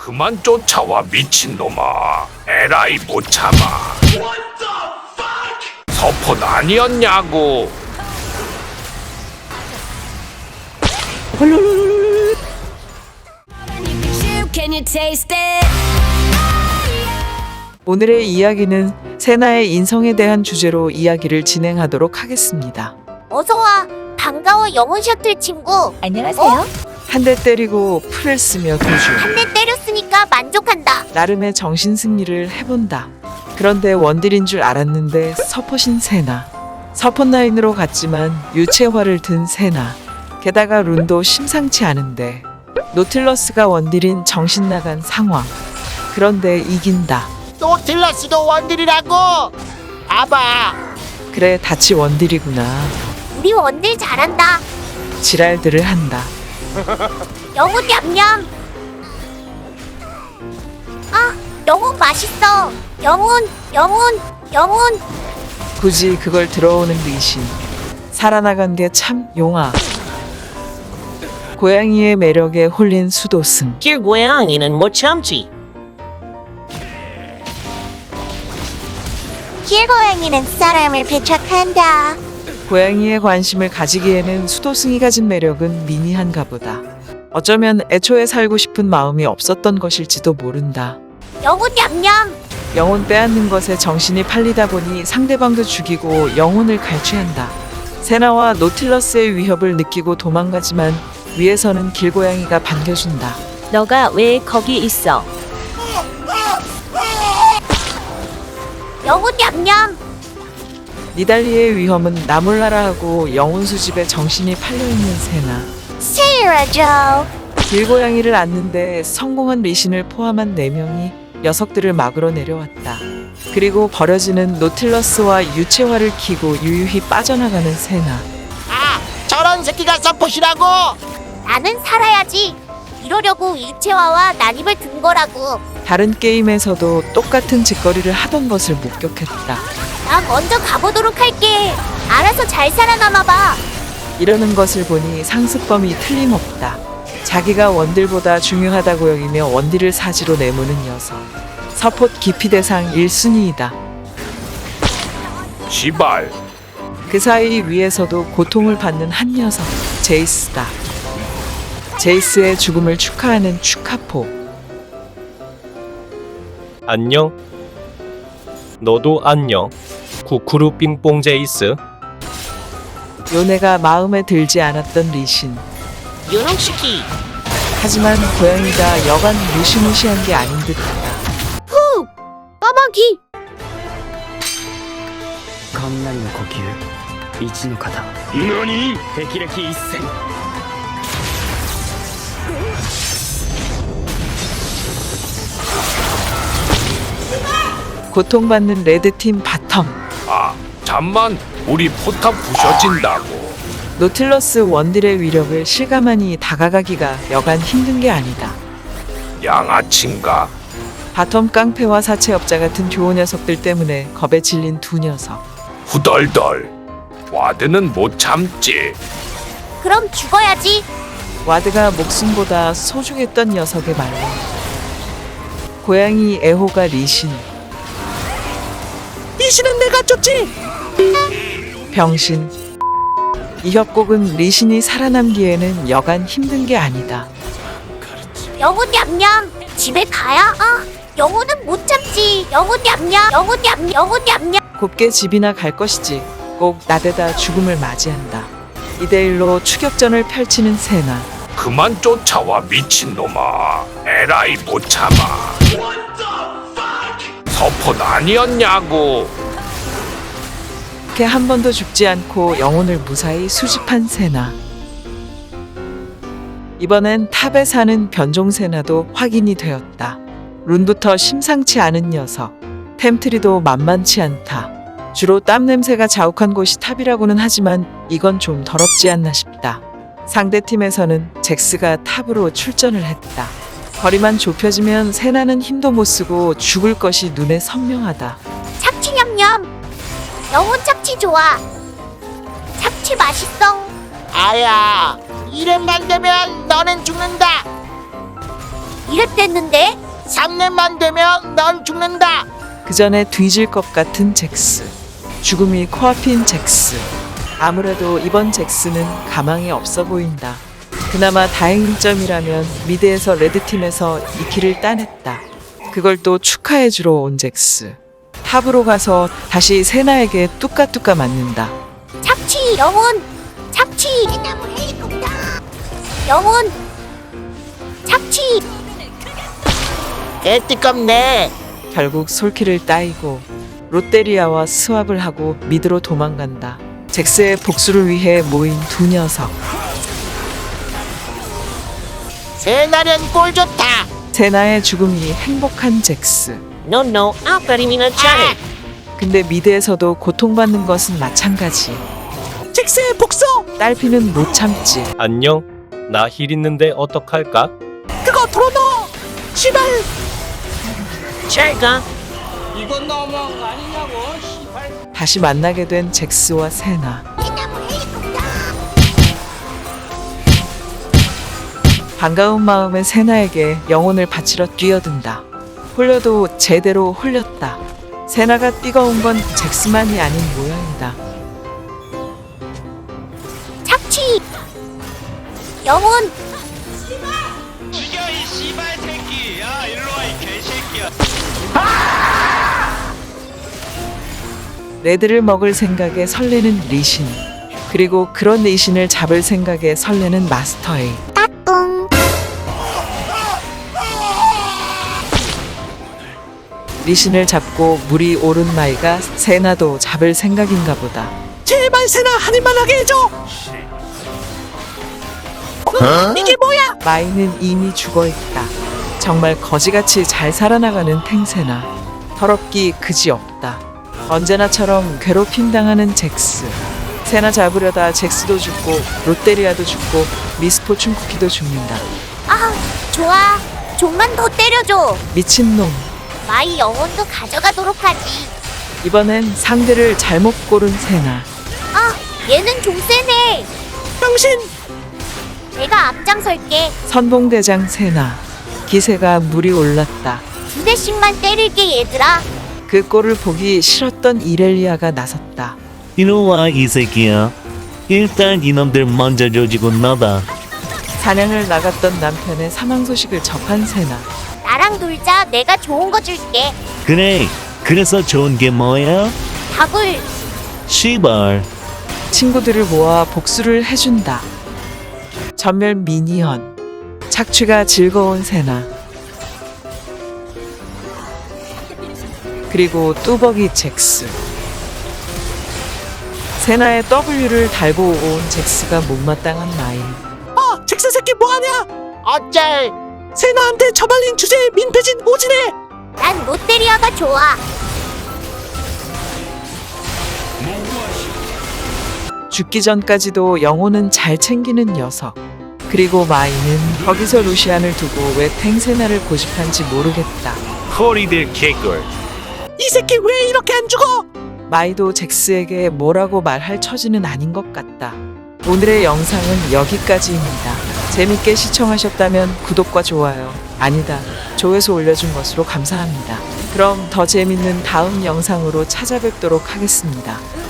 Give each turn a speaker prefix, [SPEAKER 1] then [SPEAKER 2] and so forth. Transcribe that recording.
[SPEAKER 1] 그만 쫓아와 미친놈아. 에라이 못 참아. 서폿 아니었냐고.
[SPEAKER 2] Can you taste it?
[SPEAKER 3] 오늘의 이야기는 세나의 인성에 대한 주제로 이야기를 진행하도록 하겠습니다.
[SPEAKER 4] 어서와. 반가워, 영혼 셔틀 친구.
[SPEAKER 2] 안녕하세요.
[SPEAKER 3] 한 대 때리고 풀을 쓰며 도주.
[SPEAKER 4] 한 대 때렸으니까 만족한다.
[SPEAKER 3] 나름의 정신 승리를 해본다. 그런데 원딜인 줄 알았는데 서폿인 세나. 서폿 라인으로 갔지만 유채화를 든 세나. 게다가 룬도 심상치 않은데 노틸러스가 원딜인 정신 나간 상황. 그런데 이긴다.
[SPEAKER 5] 노틸러스도 원딜이라고. 봐봐.
[SPEAKER 3] 그래 다치 원딜이구나.
[SPEAKER 4] 우리 원딜 잘한다.
[SPEAKER 3] 지랄들을 한다.
[SPEAKER 4] 영혼 냠냠. 아, 영혼 맛있어. 영혼.
[SPEAKER 3] 굳이 그걸 들어오는 리신. 살아나간 게 참 용아. 고양이의 매력에 홀린 수도승.
[SPEAKER 5] 길고양이는 못 참지.
[SPEAKER 4] 길고양이는 사람을 배척한다.
[SPEAKER 3] 고양이의 관심을 가지기에는 수도승이 가진 매력은 미미한가 보다. 어쩌면 애초에 살고 싶은 마음이 없었던 것일지도 모른다.
[SPEAKER 4] 영혼 냠냠.
[SPEAKER 3] 영혼 빼앗는 것에 정신이 팔리다 보니 상대방도 죽이고 영혼을 갈취한다. 세나와 노틸러스의 위협을 느끼고 도망가지만 위에서는 길고양이가 반겨준다.
[SPEAKER 2] 너가 왜 거기 있어?
[SPEAKER 4] 영혼 냠냠.
[SPEAKER 3] 니달리의 위험은 나 몰라라 하고 영혼 수집에 정신이 팔려있는 세나.
[SPEAKER 4] 세이라죠.
[SPEAKER 3] 길고양이를 안는데 성공한 리신을 포함한 4명이 녀석들을 막으러 내려왔다. 그리고 버려지는 노틸러스와 유채화를 키고 유유히 빠져나가는 세나.
[SPEAKER 5] 아, 저런 새끼가 서폿이라고.
[SPEAKER 4] 나는 살아야지. 이러려고 일체화와 난입을 든 거라고.
[SPEAKER 3] 다른 게임에서도 똑같은 짓거리를 하던 것을 목격했다.
[SPEAKER 4] 나 먼저 가보도록 할게. 알아서 잘 살아남아봐.
[SPEAKER 3] 이러는 것을 보니 상습범이 틀림없다. 자기가 원딜보다 중요하다고 여기며 원딜을 사지로 내모는 녀석. 서폿 기피 대상 1순위이다.
[SPEAKER 1] 시발.
[SPEAKER 3] 그 사이 위에서도 고통을 받는 한 녀석. 제이스다. 제이스의 죽음을 축하하는 축하포.
[SPEAKER 6] 안녕. 너도 안녕. 쿠쿠루 삥뽕 제이스.
[SPEAKER 3] 요네가 마음에 들지 않았던 리신.
[SPEAKER 5] 유능시키.
[SPEAKER 3] 하지만 고양이가 여간 무시무시한 게 아닌 듯하다.
[SPEAKER 4] 까마귀.
[SPEAKER 7] 雷の呼吸一の型
[SPEAKER 1] 何？
[SPEAKER 7] 霹靂一閃
[SPEAKER 3] 고통받는 레드팀 바텀.
[SPEAKER 1] 아, 잠만. 우리 포탑 부셔진다고.
[SPEAKER 3] 노틸러스 원딜의 위력을 실감하니 다가가기가 여간 힘든 게 아니다.
[SPEAKER 1] 양아친가?
[SPEAKER 3] 바텀 깡패와 사채업자 같은 교호 녀석들 때문에 겁에 질린 두 녀석.
[SPEAKER 1] 후덜덜. 와드는 못 참지.
[SPEAKER 4] 그럼 죽어야지.
[SPEAKER 3] 와드가 목숨보다 소중했던 녀석의 말로. 고양이 애호가 리신.
[SPEAKER 5] 리신은 내가 쫓지.
[SPEAKER 3] 병신. 이 협곡은 리신이 살아남기에는 여간 힘든 게 아니다.
[SPEAKER 4] 영혼 냠냠. 집에 가야. 아, 영혼은 못 참지. 영혼 냠냠. 영혼 냠냠.
[SPEAKER 3] 곱게 집이나 갈 것이지. 꼭 나대다 죽음을 맞이한다. 2대1로 추격전을 펼치는 세나.
[SPEAKER 1] 그만 쫓아와 미친놈아. 에라이 못 참아. 서폿 아니었냐고.
[SPEAKER 3] 이렇게 한 번도 죽지 않고 영혼을 무사히 수집한 세나. 이번엔 탑에 사는 변종 세나도 확인이 되었다. 룬부터 심상치 않은 녀석. 템트리도 만만치 않다. 주로 땀 냄새가 자욱한 곳이 탑이라고는 하지만 이건 좀 더럽지 않나 싶다. 상대팀에서는 잭스가 탑으로 출전을 했다. 거리만 좁혀지면 세나는 힘도 못 쓰고 죽을 것이 눈에 선명하다.
[SPEAKER 4] 착취 냠냠. 영혼 착취 좋아. 착취 맛있어.
[SPEAKER 5] 아야, 이름만 되면 너는 죽는다.
[SPEAKER 4] 이랬댔는데?
[SPEAKER 5] 3년만 되면 넌 죽는다.
[SPEAKER 3] 그 전에 뒤질 것 같은 잭스. 죽음이 코앞인 잭스. 아무래도 이번 잭스는 가망이 없어 보인다. 그나마 다행인 점이라면 미드에서 레드팀에서 2킬을 따냈다. 그걸 또 축하해주러 온 잭스. 탑으로 가서 다시 세나에게 뚜까뚜까 맞는다.
[SPEAKER 4] 착취 영혼 착취 영혼 착취
[SPEAKER 5] 개띠껍네.
[SPEAKER 3] 결국 솔킬을 따이고 롯데리아와 스왑을 하고 미드로 도망간다. 잭스의 복수를 위해 모인 두 녀석.
[SPEAKER 5] 세나는 꼴 좋다.
[SPEAKER 3] 세나의 죽음이 행복한 잭스.
[SPEAKER 5] 노노 아까리미나 잘해.
[SPEAKER 3] 근데 미드에서도 고통받는 것은 마찬가지.
[SPEAKER 5] 잭스의 복수.
[SPEAKER 3] 딸피는 못 참지.
[SPEAKER 6] 안녕. 나 힐 있는데 어떡할까?
[SPEAKER 5] 그거 털어넣어. 시발. 잘가.
[SPEAKER 3] 다시 만나게 된 잭스와 세나. 반가운 마음에 세나에게 영혼을 바치러 뛰어든다. 홀려도 제대로 홀렸다. 세나가 뛰어온 건 잭스만이 아닌 모양이다.
[SPEAKER 4] 착취 영혼
[SPEAKER 3] 레드를 먹을 생각에 설레는 리신. 그리고 그런 리신을 잡을 생각에 설레는 마스터 A. 리신을 잡고 물이 오른 마이가 세나도 잡을 생각인가 보다.
[SPEAKER 5] 제발 세나 한 입만 하게 해줘. 이게 뭐야?
[SPEAKER 3] 마이는 이미 죽어있다. 정말 거지같이 잘 살아나가는 탱세나. 더럽기 그지없다. 언제나처럼 괴롭힘 당하는 잭스. 세나 잡으려다 잭스도 죽고 롯데리아도 죽고 미스포춘 쿠키도 죽는다.
[SPEAKER 4] 아 좋아 좀만 더 때려줘
[SPEAKER 3] 미친놈.
[SPEAKER 4] 마이 영혼도 가져가도록 하지
[SPEAKER 3] 이번엔 상대를 잘못 고른 세나.
[SPEAKER 4] 아 얘는 좀 세네
[SPEAKER 5] 당신
[SPEAKER 4] 내가 앞장설게
[SPEAKER 3] 선봉대장 세나. 기세가 물이 올랐다.
[SPEAKER 4] 두 대씩만 때릴게 얘들아
[SPEAKER 3] 그 꼴을 보기 싫었던 이렐리아가 나섰다.
[SPEAKER 8] 이놈아 이 새끼야. 일단 이놈들 먼저 조지고 나다.
[SPEAKER 3] 사냥을 나갔던 남편의 사망 소식을 접한 세나.
[SPEAKER 4] 나랑 놀자 내가 좋은 거 줄게
[SPEAKER 8] 그래. 그래서 좋은 게 뭐야?
[SPEAKER 4] 다굴
[SPEAKER 8] 시발.
[SPEAKER 3] 친구들을 모아 복수를 해준다. 전멸 미니언. 착취가 즐거운 세나. 그리고 뚜벅이 잭스. 세나의 W를 달고 온 잭스가 못마땅한 마인.
[SPEAKER 5] 잭스 새끼 뭐하냐? 어쩔. 세나한테 처발린 주제에 민폐진 오지네.
[SPEAKER 4] 난 롯데리아가 좋아
[SPEAKER 3] 죽기 전까지도 영혼은 잘 챙기는 녀석. 그리고 마이는 거기서 루시안을 두고 왜 탱세나를 고집한지 모르겠다.
[SPEAKER 1] 허리들 개꿀.
[SPEAKER 5] 이 새끼 왜 이렇게 안 죽어?
[SPEAKER 3] 마이도 잭스에게 뭐라고 말할 처지는 아닌 것 같다. 오늘의 영상은 여기까지입니다. 재밌게 시청하셨다면 구독과 좋아요, 아니다, 조회수 올려준 것으로 감사합니다. 그럼 더 재밌는 다음 영상으로 찾아뵙도록 하겠습니다.